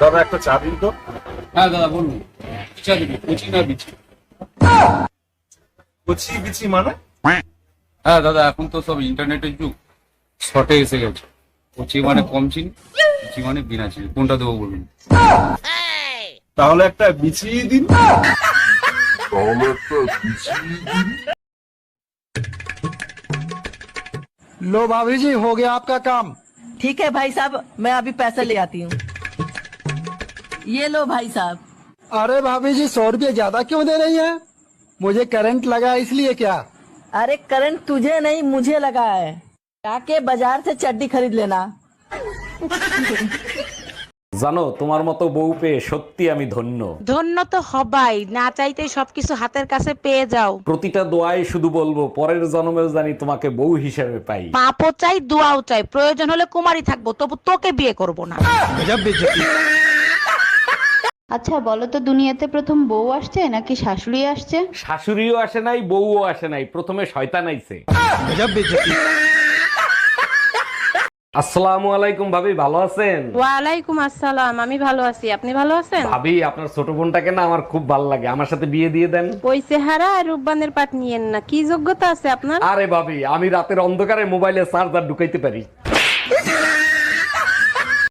দাদা একটা চা দিন তো। হ্যাঁ দাদা বলুন, চা দিবি, কুচি না বিচি? কচি বিচি মানে? হ্যাঁ দাদা, এখন তো সব ইন্টারনেটের যুগ, শর্টে এসে গেছে। কুচি মানে কম চিনি, বিচি মানে বিনা চিনি। কোনটা দেবো বলুন? তাহলে একটা বিচি দিন। लो भाभी जी, हो गया आपका काम। ठीक है भाई साहब, मैं अभी पैसा ले आती हूँ। ये लो भाई साहब। अरे भाभी जी, 100 रुपये ज्यादा क्यों दे रही हैं? मुझे करंट लगा है, इसलिए क्या? अरे करंट तुझे नहीं मुझे लगा है, जाके बाजार से चड्डी खरीद लेना। জানো, তোমার মতো বউ পেয়ে সত্যি আমি ধন্য। ধন্য তো হবাই, না চাইতেই সবকিছু হাতের কাছে পেয়ে যাও। প্রতিটা দোয়ায় শুধু বলবো, পরের জন্মেও জানি তোমাকে বউ হিসেবে পাই। পাপও চাই, দোয়াও চাই, প্রয়োজন হলে কুমারী থাকবো, তবু তোকে বিয়ে করব না। আচ্ছা বলো তো, দুনিয়াতে প্রথম বউ আসছে নাকি শাশুড়ি আসছে? শাশুড়িও আসে নাই, বউও আসে নাই, প্রথমে শয়তান আইছে। আসসালামু আলাইকুম ভাবি, ভালো আছেন? ওয়ালাইকুম আসসালাম, আমি ভালো আছি, আপনি ভালো আছেন? ভাবি, আপনার ছোট বোনটাকে না আমার খুব ভালো লাগে, আমার সাথে বিয়ে দিয়ে দেন। ওই চেহারা আর রূপবানের পাট নিয়েন না, কি যোগ্যতা আছে আপনার? আরে ভাবি, আমি রাতের অন্ধকারে মোবাইলে চার্জার ঢুকাইতে পারি।